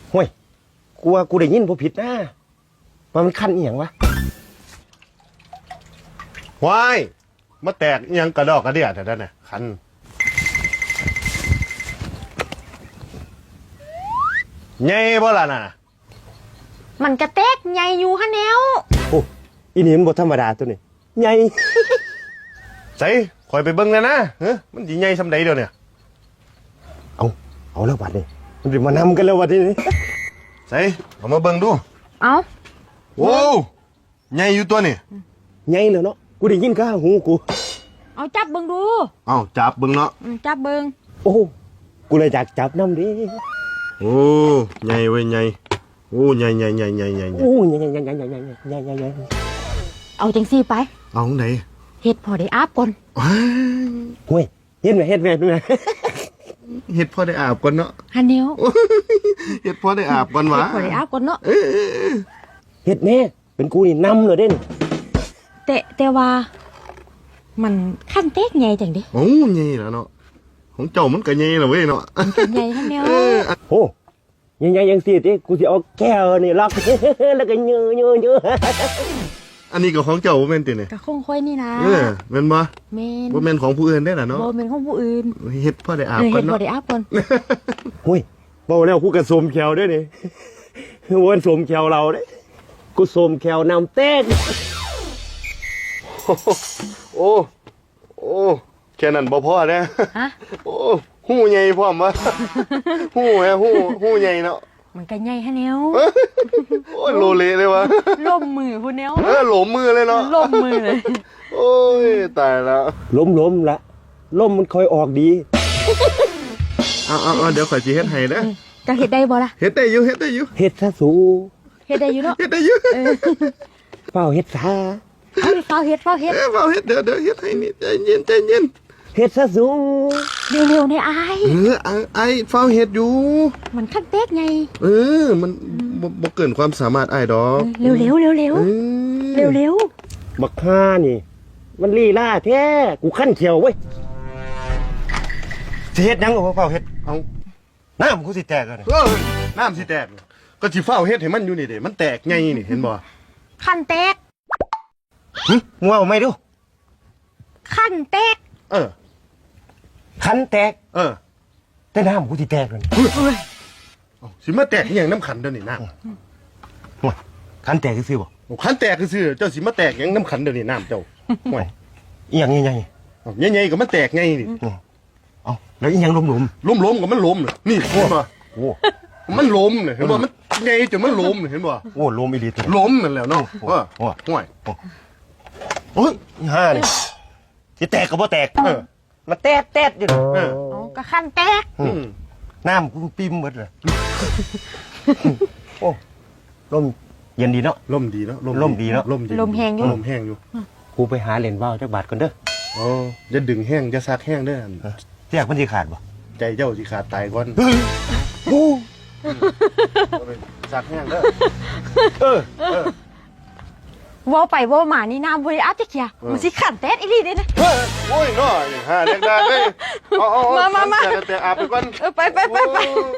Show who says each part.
Speaker 1: ห่วยกูว่ากูได้ยินบ่ผิดนะว่ามันคันอีหยังวะ
Speaker 2: วายมาแตกอิหยังกระดอกกระเดียแต่นั่นน่ะคันใหญ่บ่ล่ะน่ะ
Speaker 3: มันกระเตกใหญ่อยู่ฮะแนว
Speaker 1: โอ้อีนี่มันบ่ธรรมดาตัวนี้ใหญ่
Speaker 2: ใส่คอยไปเบิ่งเลยนะเฮ้ยมันสิใหญ่ซำใดเดี๋ยวเนี่ย
Speaker 1: เอาแล้วบัดนี้มันสิมานำกันแล้วบัดนี้
Speaker 2: ใส่เอามาเบิ่งดู
Speaker 3: เอา
Speaker 2: โว้วใหญ่อยู่ตัวนี่
Speaker 1: ใหญ่แล้วเนาะกูได้ยินข้างหูกู
Speaker 3: เอาจับเบิ่งดู
Speaker 2: เอ้าจับเบิ่งเนาะ
Speaker 3: จับเบิ่ง
Speaker 1: โอ้กูเลยอยากจับน้ำดิ
Speaker 2: โอ้ใหญ่เว้ยใหญ่โอ้ใหญ่ใหญ่ใหญ่ใหญ่ใหญ่
Speaker 1: โอ้ใหญ่ใหญ่ใหญ่ใหญ่ใหญ่ใหญ่ใหญ่ใหญ่ใหญ่
Speaker 3: เอาจังซี่ไป
Speaker 2: เอาไหน
Speaker 3: เฮ็ดพอได้อาบก่อน
Speaker 2: ว้าย
Speaker 1: ห่วยเฮ็ดไหมเฮ็ดไหมเฮ็ดไหม
Speaker 2: เฮ็ดพอได้อาบก่อนเนาะ
Speaker 3: ฮะแนว
Speaker 2: เฮ็ดพอได้อาบก่อนวะ
Speaker 3: เฮ็ดพอได้อาบก่อนเนาะ
Speaker 1: เฮ็ดแน่เป็นกูนี่นำเลยเด่น
Speaker 3: แต่ว่า มันขั้นเตกใหญ่จังดิ
Speaker 2: โอ้ใหญ่แล้วเนาะของเจ้ามันก็ใหญ่แล้วเว้ยเนาะ
Speaker 3: มันก็ใหญ่ฮะแนว
Speaker 1: โอ้ยังไงยังสิติกูสิเอาแก้วนี่ล็อก แล้วก็เยื้อเยื้อเยื้อ
Speaker 2: อันนี้ก็ของเจ้าบ่แม่นติเนี่ย
Speaker 3: ก็คงค่อยนี่นะ
Speaker 2: แม่นบ่
Speaker 3: แม่น
Speaker 2: บ่แม่นของผู้อื่นได้ล่ะเนาะ
Speaker 3: บ่แม่นของผู้อื่น
Speaker 2: เฮ็ดพอได้อาบก่
Speaker 3: เฮ็
Speaker 2: อน
Speaker 3: ดพอ
Speaker 2: เนาะ
Speaker 3: ได้อาบก่อน
Speaker 1: ห่วยเบาแล้วกูกระสมแขวด้วยนี่ วันสมแขวเราเด้กูสมแขวนำเต้น
Speaker 2: โอ้โอ้แค่นั้นบ่พอเด้
Speaker 3: ฮะ
Speaker 2: โอ้หูใหญ่พร้อมวะ หูแฮะหูใหญ่เนาะ
Speaker 3: มันก็ใหญ่ฮะแนว
Speaker 2: โอ้ยโลเลเลยวะ
Speaker 3: ล่มมือผู้แนว
Speaker 2: หลมมือเลยเนาะ
Speaker 3: ล่มมือเลย
Speaker 2: โอ้ยตายแล้ว
Speaker 1: ล้มละล้มมันคอยออกดี
Speaker 2: เอาเดี๋ยวข่อยสิเฮ็ดให้เด้อ
Speaker 3: จะเฮ็ดได้บ่ล่ะ
Speaker 2: เฮ็ดได้อยู่เฮ็ดได้อยู่
Speaker 1: เฮ็ดซะสู
Speaker 3: เฮ็ดได้อยู่เนาะ
Speaker 2: เฮ็ดได้อยู่
Speaker 1: เฝ้าเฮ็ดซะ
Speaker 3: เอาดิเฝ้าเฮ็ด
Speaker 2: เฝ้าเฮ็ดเดี๋ยวเฮ็ดให้นี่ใจเย็นใจเย็น
Speaker 1: เฮ็ดซะสู
Speaker 3: เร็วๆในอาย
Speaker 2: ไอ้เฝ้าเฮ็ดอยู่
Speaker 3: มันขั้นเตกไง
Speaker 2: มันบ่เกินความสามารถอ้ายดอก
Speaker 3: เร็วๆเร็วๆเร็ว
Speaker 2: เออ
Speaker 3: เร็ว
Speaker 1: บักฮ่านี่ มันลีลาแท้กูขั้นเขียวเว้ยสิเฮ็ดหยังก็เฝ้าเฮ็ด
Speaker 2: เอา
Speaker 1: น้ำกูสิแตกแล้วนี่
Speaker 2: น้ำสิแตกก็สิเฝ้าเฮ็ดให้มันอยู่นี่เด้มันแตกไงนี่เห็นบ่
Speaker 3: ๆขั้นเตก
Speaker 1: หึมึงเอาไม่ดู
Speaker 3: ขั้นเตก
Speaker 2: เออ
Speaker 1: คันแตก
Speaker 2: เออ
Speaker 1: แต่น้ำกูสิแตกแล้วนี่
Speaker 2: เอาสิมาแตกอหย่างน้ำขันเดี๋ยวนี้น้
Speaker 1: ห่วยคันแตกซื่อๆบ่
Speaker 2: ำขันแตกคือเจ้าสิมาแตกอหย่างน้ำขันเดี๋ยวนี้น้ำเจ้าห่วย
Speaker 1: อีหยังใหญ่
Speaker 2: เอาใหญ่ๆก็มันแตกไงนี่
Speaker 1: ๆเอาแล้วอีหยังหลม
Speaker 2: ล้มๆก็มันล้มน่ะนี่เห็นบ่
Speaker 1: ๆโอ้
Speaker 2: มันล้มเนี่ยเห็นบ่มันใหญ่จนมันล้มเนี่ยเห็นบ่
Speaker 1: โอ้ลมอีหลีตัวนี้
Speaker 2: ล้มนั่นแหละเนาะ
Speaker 1: โอ้
Speaker 2: ว่า
Speaker 1: โอ้
Speaker 2: ห่วย
Speaker 1: โอ้ยอีห่านี่สิแตกก็บ่แตก
Speaker 2: เออ
Speaker 1: มาแตดอยู่นี่
Speaker 2: เออ
Speaker 3: เอาก็ขั้นเตก
Speaker 2: อืม
Speaker 1: น้ำกูปิ่มหมดเลยโอ้ลมเย็นดีเนาะ
Speaker 2: ลมดีเนาะ
Speaker 1: ลมดีเนาะ
Speaker 2: ลมดี
Speaker 3: ลมแหงอยู่
Speaker 2: ลมแห้งอยู่
Speaker 1: กูไปหาเหรียญว่าวจักบาทก่อนเด้อ
Speaker 2: อ๋อจะดึงแห้งจะซักแห้งเด้อ
Speaker 1: เสียกมันสิขาดบ่
Speaker 2: ใจเจ้าสิขาดตายก่อน
Speaker 1: โอ้
Speaker 2: ซักแห้งเด้อ
Speaker 1: เออ
Speaker 3: ว่าไปว่ามานี่น้ำบริอาบจะเคียมันสิขั้นเตกอีหลีเด้นะ
Speaker 2: โอ้ยเนาะหาแรงๆเลยเอา
Speaker 3: มา
Speaker 2: แต่อาบไปก่อน
Speaker 3: ไป